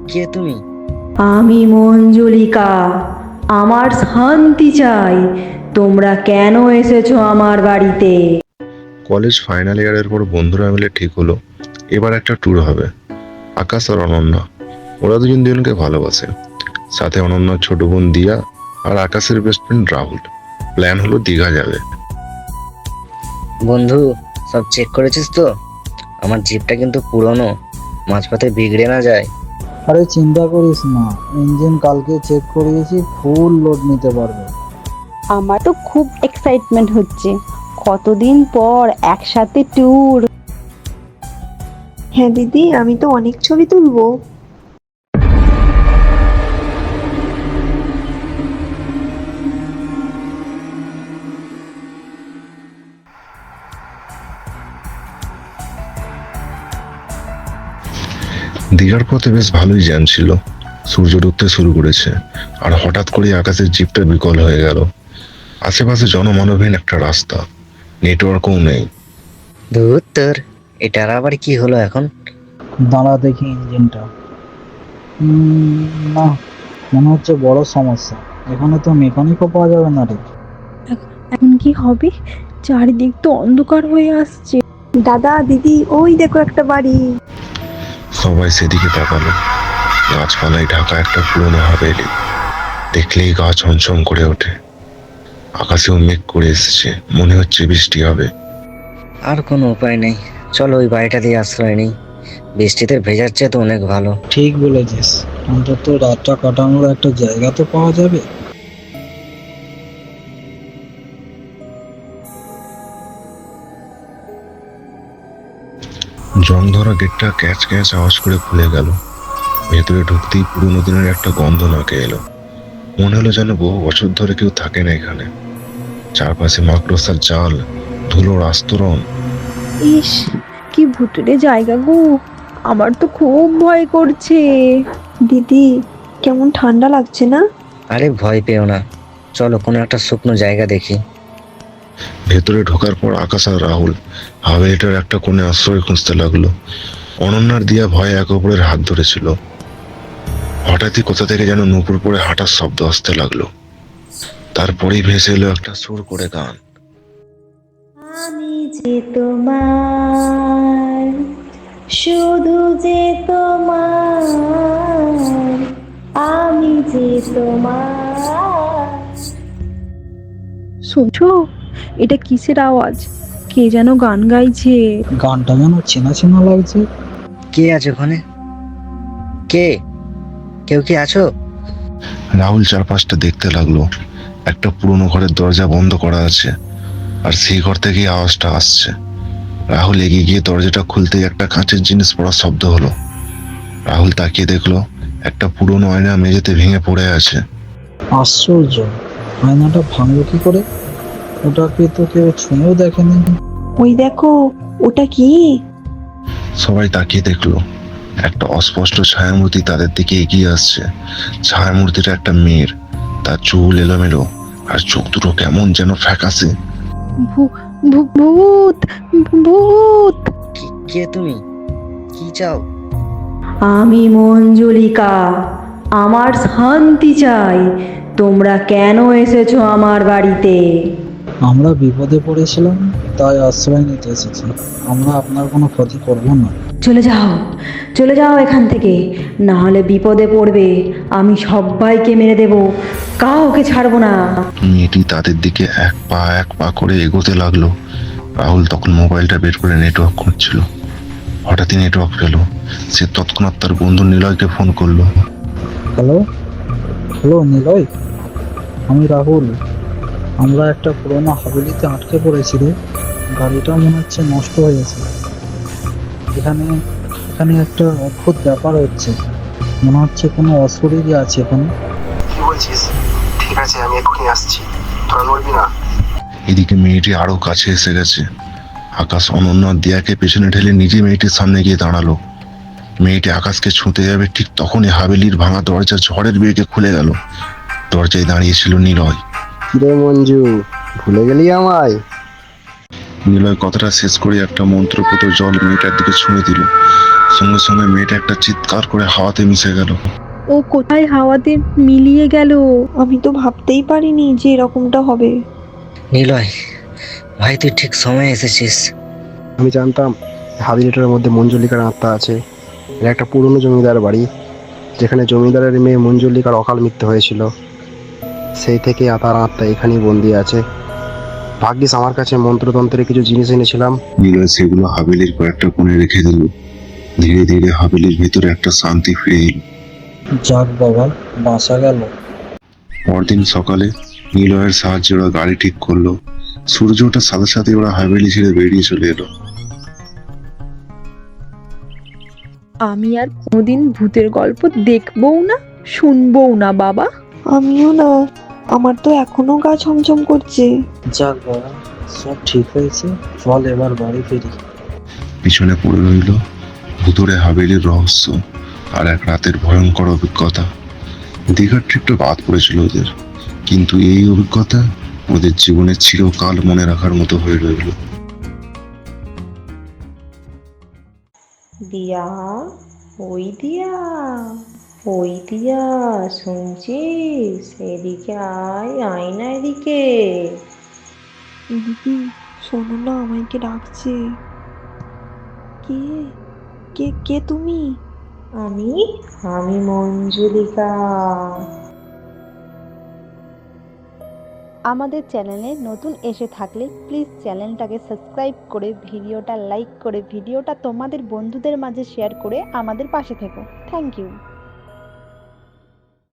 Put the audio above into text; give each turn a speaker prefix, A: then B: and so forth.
A: কে তুমি?
B: আমি মঞ্জুলিকা। আমার শান্তি চাই। তোমরা কেন এসেছো আমার বাড়িতে?
C: কলেজ ফাইনাল ইয়ারের পর বন্ধুরা মিলে ঠিক হলো এবার একটা ট্যুর হবে। আকাশ আর অনন্যা, ওরা দুজন দুজনকে ভালোবাসে। সাথে অনন্যার ছোট বোন দিয়া আর আকাশের বেস্ট ফ্রেন্ড রাহুল। প্ল্যান হলো দীঘা যাবে।
A: বন্ধু, সব চেক করেছিস তো? আমার জিপটা কিন্তু পুরনো, মাঝপথে বিগড়ে না যায়।
D: আরে চিন্তা করিস না, ইঞ্জিন কালকে চেক করিয়েছি, ফুল লোড নিতে পারবে।
E: আমার তো খুব এক্সাইটমেন্ট হচ্ছে, কতদিন পর একসাথে ট্যুর।
F: হ্যাঁ দিদি, আমি তো অনেক ছবি তুলবো।
C: দীঘার পথে বেশ ভালোই জ্যাম ছিল। সূর্য ডুবতে শুরু করেছে আর হঠাৎ করে আকাশের জিপটা বিকল হয়ে গেল। আশেপাশে জনমানবহীন একটা রাস্তা, নেটওয়ার্কও নেই।
A: ধুর তোর, এটার আবার কি হলো এখন?
D: দাঁড়া দেখি ইঞ্জিনটা। না, মনে হচ্ছে বড় সমস্যা। এখানে তো মেকানিকও পাওয়া যাবে না রে।
E: এখন কি হবে? চারিদিক তো অন্ধকার হয়ে আসছে।
F: দাদা দিদি, ওই দেখো একটা বাড়ি।
C: সবাই সেদিকে তাকালো। গাছপালায় ঢাকা একটা পুরোনো হাভেলি। দেখলেই গা ছমছম করে ওঠে। আকাশেও মেঘ করে এসেছে, মনে হচ্ছে বৃষ্টি হবে।
A: আর কোনো উপায় নেই, চলো ওই বাড়িটা দিয়ে আশ্রয় নেই। বৃষ্টিতে ভেজার চেয়ে তো অনেক ভালো।
D: ঠিক বলেছিস, অন্তত রাতটা কাটানোর একটা জায়গা তো পাওয়া যাবে।
C: জং ধরা গেটটা ক্যাচ ক্যাচ আওয়াজ করে খুলে গেল। ভেতরে ঢুকতেই পুরোনো দিনের একটা গন্ধ নাকে এলো। মনে হলো যেন বহু বছর ধরে কেউ থাকে না এখানে। চারপাশে মাকড়সার জাল, ধুলোর আস্তরণ।
E: ইস, কি ভুতুড়ে জায়গা গো, আমার তো খুব ভয় করছে।
F: দিদি, কেমন ঠান্ডা লাগছে না?
A: আরে ভয় পেও না, চলো কোনো একটা শুকনো জায়গা দেখি।
C: ভেতরে ঢোকার পর আকাশ আর রাহুল হাভেলিটার একটা কোণে আশ্রয় খুঁজতে লাগলো। অনন্যার দিয়া ভয়ে একে অপরের হাত ধরেছিল। হঠাৎই কোথা থেকে যেন নুপুর পরে হাঁটার শব্দ আসতে লাগলো। তারপরেই ভেসে এলো একটা সুর করে গান।
B: আমি যে তোমার, শুধু যে তোমার, আমি যে তোমার।
E: শুনছো? এটা কিসের আওয়াজ? কে যেন গান গাইছে।
D: গানটা যেন চেনা চেনা লাগছে।
A: কে আছে ওখানে? কে? কেউ কি আছো?
C: রাহুল চারপাশটা দেখতে লাগলো। একটা পুরোনো ঘরের দরজা বন্ধ করা আছে, আর সেই ঘর থেকেই আওয়াজটা আসছে। রাহুল এগিয়ে গিয়ে দরজাটা খুলতেই একটা কাঁচের জিনিস পড়ার শব্দ হলো। রাহুল তাকিয়ে দেখলো একটা পুরোনো আয়না মেঝেতে ভেঙে পড়ে আছে।
D: আশ্চর্য, আয়নাটা ভাঙলো কি করে? ওটাকে তো কেউ ছুঁয়েও দেখেনি।
F: ওই দেখো, ওটা কি?
C: সবাই তাকিয়ে দেখলো একটা অস্পষ্ট ছায়ামূর্তি তাদের দিকে এগিয়ে আসছে। ছায়ামূর্তিটা একটা মেয়ের, তার চুল এলোমেলো আর চোখ দুটো কেমন যেন ফ্যাকাশে।
E: ভূত, ভূত।
A: কে তুমি? কি চাও?
B: আমি মঞ্জুলিকা। আমার শান্তি চাই। তোমরা কেন এসেছো আমার বাড়িতে?
D: আমরা বিপদে পড়েছিলাম, তাই আশ্রয় নিতে এসেছি। আমরা আপনার কোনো ক্ষতি করব না।
B: চলে যাও, চলে যাও এখান থেকে, না হলে বিপদে পড়বে। আমি সবাইকে মেরে দেব, কাউকে ছাড়বো না।
C: মেয়েটি তাদের দিকে এক পা করে এগোতে লাগলো। রাহুল তখন মোবাইলটা বের করে নেটওয়ার্ক খুঁজছিল। হঠাৎই নেটওয়ার্ক পেল। সে তৎক্ষণাৎ তার বন্ধু নিলয়কে ফোন করলো।
D: হ্যালো হ্যালো নিলয়, আমি রাহুল। আমরা একটা পুরোনো হাভেলিতে আটকে পড়েছি রে। গাড়িটা মনে হচ্ছে নষ্ট হয়ে গেছে। এখানে এখানে একটা অদ্ভুত ব্যাপার হচ্ছে। মনে হচ্ছে কোনো অশরীরই আছে এখানে।
G: কি বলছিস? ঠিক আছে, আমি এক্ষুনি আসছি, তোরা নড়বি না।
C: এদিকে মেয়েটি আরো কাছে এসে গেছে। আকাশ অনন্য আর দিয়াকে পেছনে ঠেলে নিজে মেয়েটির সামনে গিয়ে দাঁড়ালো। মেয়েটি আকাশকে ছুঁতে যাবে, ঠিক তখনই হাভেলির ভাঙা দরজা ঝড়ের বেগে খুলে গেল। দরজায় দাঁড়িয়েছিল নিলয়।
G: কিরে মঞ্জু, ভুলে গেলি আমায়?
C: নিলয় কথাটা শেষ করে একটা মন্ত্রপুত জল মেয়েটার দিকে ছুঁড়ে দিল। সঙ্গে সঙ্গে মেয়েটা একটা চিৎকার করে হাওয়াতে মিশে গেল।
B: ও কোথায় হাওয়াতে মিলিয়ে গেল?
F: আমি তো ভাবতেই পারিনি যে এরকমটা হবে।
A: নিলয় ভাই, তুই ঠিক সময়ে এসেছিস।
G: আমি জানতাম হাবিলিটার মধ্যে মঞ্জুলিকার আত্মা আছে। এটা একটা পুরনো জমিদার বাড়ি, যেখানে জমিদারের মেয়ে মঞ্জুলিকার অকাল মৃত্যু হয়েছিল। সেই থেকে তার আত্মা এখানেই বন্দি আছে। ভাগ্যিস আমার কাছে মন্ত্রতন্ত্রের কিছু জিনিস এনেছিলাম।
C: নিলয় সেগুলো হাভেলির কয়েকটা কোণে রেখে দিল। ধীরে ধীরে হাভেলির ভিতরে একটা শান্তি ফিরে এলো।
D: যাক বাবা, বাঁচা গেল।
C: পরদিন সকালে নিলয়ের সাহায্যে ওরা গাড়ি ঠিক করলো। সূর্য ওঠার সাথে সাথে ওরা হাভেলি ছেড়ে বেরিয়ে চলে এলো।
B: আমি আর কোনোদিন ভূতের গল্প দেখবও না, শুনবও না বাবা।
F: আমিও না, আমার তো এখনো গা ছমছম করছে।
D: যাক বাবা, সব ঠিক হয়েছে, চল এবার বাড়ি ফিরি।
C: পিছনে পড়ে রইল ভুতুড়ে হাভেলির রহস্য আর এক রাতের ভয়ঙ্কর অভিজ্ঞতা। দীঘার ট্রিপটা বাদ পড়েছিল ওদের, কিন্তু এই অভিজ্ঞতা ওদের জীবনে চিরকাল মনে রাখার মতো হয়ে রইল।
H: দিয়া, ওই দিয়া, ওই দিয়া, শুনছিস? এদিকে আয়, আয় না এদিকে।
F: দিদি, শোনো না, আমাকে ডাকছে। কে কে কে তুমি?
H: আমি আমি মঞ্জুলিকা।
E: আমাদের চ্যানেলে নতুন এসে থাকলে প্লিজ চ্যানেলটাকে সাবস্ক্রাইব করে ভিডিওটা লাইক করে ভিডিওটা তোমাদের বন্ধুদের মাঝে শেয়ার করে আমাদের পাশে থেকো। Thank you.